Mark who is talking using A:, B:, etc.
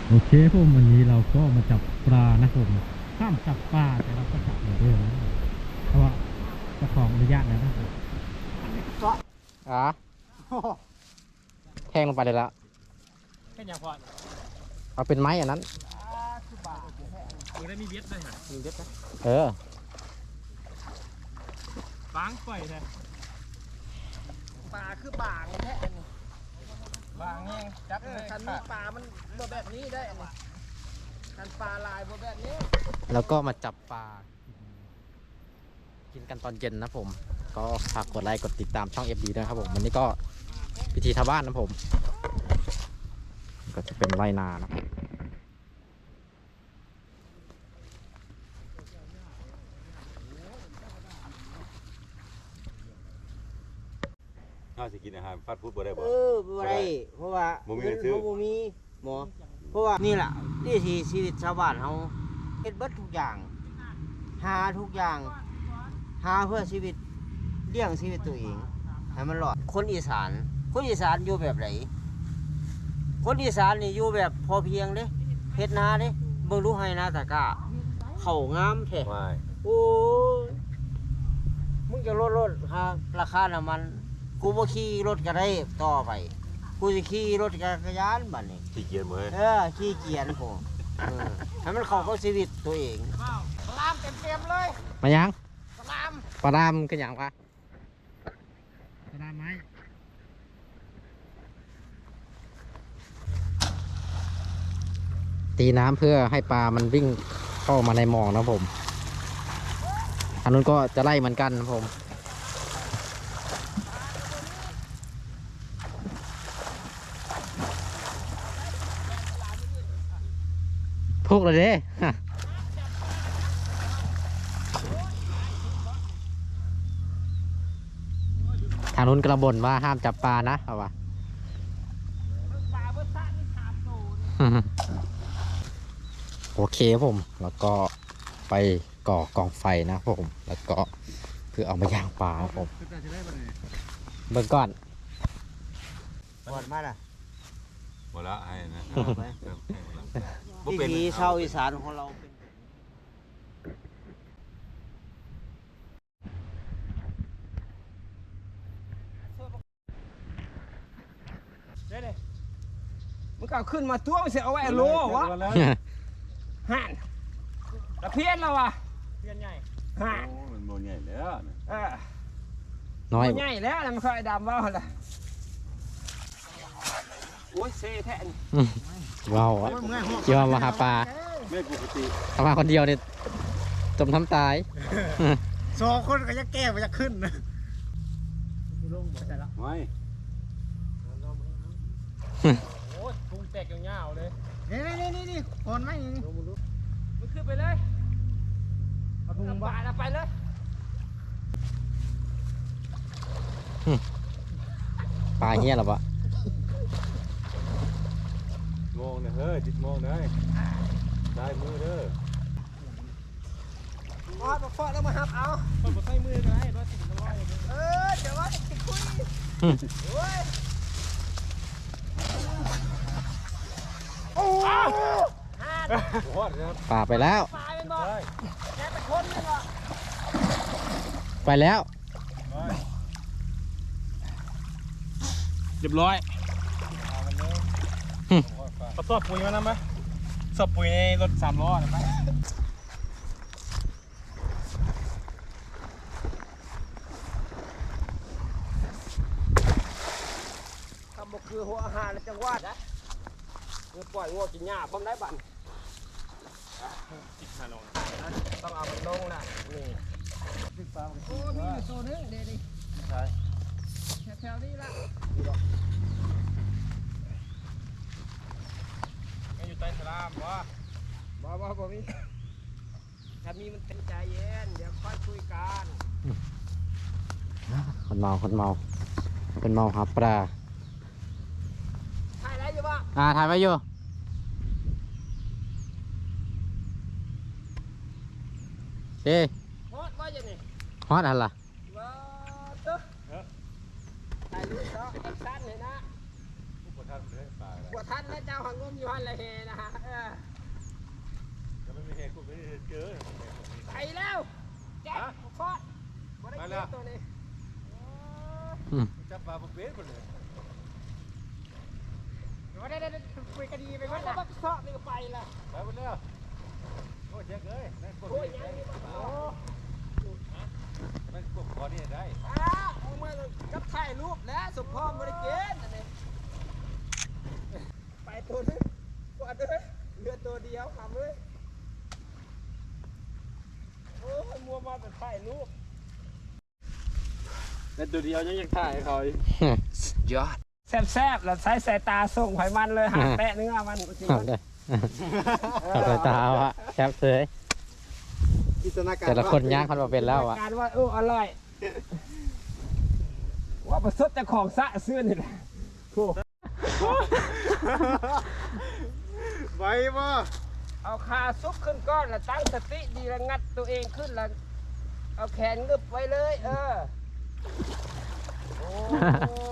A: โอเคผมวันนี้เราก็มาจับปลานะผมห้ามจับปลาแต่เราก็จับเหมือนเดิมนะเพราะว่าเจ้าของอนุญาตแล้วนะครับอ๋อแทงลงไปเลยละแค่ยังพอเอาเป็นไม้อันนั้นได้มีเบ็ดด้วยฮะมีเบ็ดนะบางปล่อยแท้
B: ปลาคือบางแท้
A: บางแห้งจับ
B: คันนี้ปลามันแบบนี้ได้คันปลาลายแบบนี้
A: แล้วก็มาจับปลากินกันตอนเย็นนะผมก็ฝากกดไลค์กดติดตามช่อง FD ด้วยครับผมวันนี้ก็พิธีทาบ้านนะผมก็จะเป็นไรนานะ
C: น่าจะกินอาหารฟาสต์ฟู้ดบ่ได้บ่
B: บ่ได้เพราะว่า
C: บ่มีเงินซื้อ
B: บ่มีหมอเพราะว่านี่แหละนี่ที่ชีวิตชาวบ้านเฮาเฮ็ดเบิดทุกอย่างหาทุกอย่างหาเพื่อชีวิตเลี้ยงชีวิตตัวเองให้มันรอดคนอีสานอยู่แบบไหนคนอีสานนี่อยู่แบบพอเพียงเด้เฮ็ดนาเด้เบิ่งดูให้นาตะกร้าเข้างามแท้โอ้ยมึงจะลดราคาน้ำมันกูบ่ขี่รถก็ได้ต่อไปกูจะขี่รถจักรยานบัดนี้
C: ขี้เกียจมื้อ
B: ขี้เกียจผมให้มันเข้ากับชีวิตตัวเองปลามเต็มเลย
A: มายัง
B: ปลาม
A: กันยังปะปลามไม้ตีน้ำเพื่อให้ปลามันวิ่งเข้ามาในหมองนะผมอันนู้นก็จะไล่เหมือนกันนะผมพวกเลยเด้ทางนู้นกระบ่นว่าห้ามจับปลานะเอาวะโอเคผมแล้วก็ไปก่อกองไฟนะผมแล้วก็เพื่อเอามาย่างปลาผมเบิ่งก่อน
B: หมดมาล่ะ
C: หมดละให้นะ
B: วิถีชาวอีสานของเรามันก็ขึ้นมาตัวมันเสียเอาไว้โลวะห่านตะเพียนแล้ววะเพียนใหญ่ห่าน
C: มันโมใหญ่แล้ว
A: น้อย
B: ใหญ่แล้วมันค่อยดำว่าอะไรโอ้ยเซ่แท้
A: ว้าวเกี่ยวมาหาปลา
C: ไม่ปกติ
A: ทำมาคนเดียวเนี่ยจมทำตาย
B: 2 คนก็จะแก้มันจะขึ้นนะลงหมดแล้ว
C: ไม่
B: โอ้ยพุงแตกยาวๆเลยนี่คนไหมนี่มันขึ้นไปเลยเอาพุงบ้าไปเลย
A: ปลาเหี้ยหรอปะ
C: มองนะเฮ้ยจิตมองได้ได้มือเด้อ
B: มาฟอดแล้วมาหับเอาคนบ่ใส่มือก็ได้รถติดมันลอยเดี๋ยวว่าติดคุยโอ้ย
A: ป่าไปแล้วไปแล้ว
B: เรียบร้อยเอาสอบปุ๋ยมานะไหมสอบปุ๋ยในรถ3 ล้อนะไหมทำบ่คือหัวอาหารจังหวัดนะเมื่อปล่อยงัวกินหญ้าพร้อมได้บั่นต้องเอามันลงนะนี่โอ้มีอยู่โซนนึงเดี๋ยวนี้ใช่แถวนี้ละอยู่ใต้สลามบ่มีถ้ามีมันเป็นใจเย็นเดี๋ยวค่อยคุยกัน
A: คนเมาหาปลา
B: ถ่ายอะไรอยู่บ่
A: ถ่ายไว้อยู่เฮ้
B: ฮอตว่าอย่างนี้
A: ฮอตอะไร
B: ถ่ายรูปเนาะสั้นเลยนะ
C: ผู้ประทับเลยปลา
B: หัวท่านและเจ้าหังงมอยู่หันละเฮนะฮะ
C: ไม่ได้เจอ
D: ไปแล้วแจ็คฟอดบ่ได้เก็บตัวนี้
C: จับปลาบุกเบสหมดเลย
D: บ่ได้คุยกันดีไปก่อนแล้วก็ซอกนี่ก็ไปละ
C: ไปหมดแล้วโอ้เจ๊กเอ้ยนั่นกด
D: โอ้ย
C: ได้
D: ยังนี่บ่โอ้
C: นั่นกดคอนี่ได้
D: เอามากับถ่ายรูปแล้วสมพรบ่ได้เก็บอันนี้ไปตัวนึงกวาดเลยเหลือตัวเดียวครับเอ้ยโอ้ยมัวมาแต่ถ่ายรูป
C: ในตัวเดียวยังอยากถ่ายเขาอีก
B: ยอด
D: แซ่บๆแล้วใช้สายตาส่งไขมันเลยหาแปะเนื้อมันจริง
A: เอาเลยเอาเลยตาเอาอะแคบเสย
B: จินตนาการ
A: แต่ละคนย่างเขามาเป็นแล้วอะ
D: การว่าอร่อยว่าประสดแต่ของสะเสื้อนี่แหละโอ้
C: ไว้บ่
D: เอาขาซุกขึ้นก้อนแล้วตั้งสติดีแล้วงัดตัวเองขึ้นแล้วเอาแขนงึบไว้เลย โอ้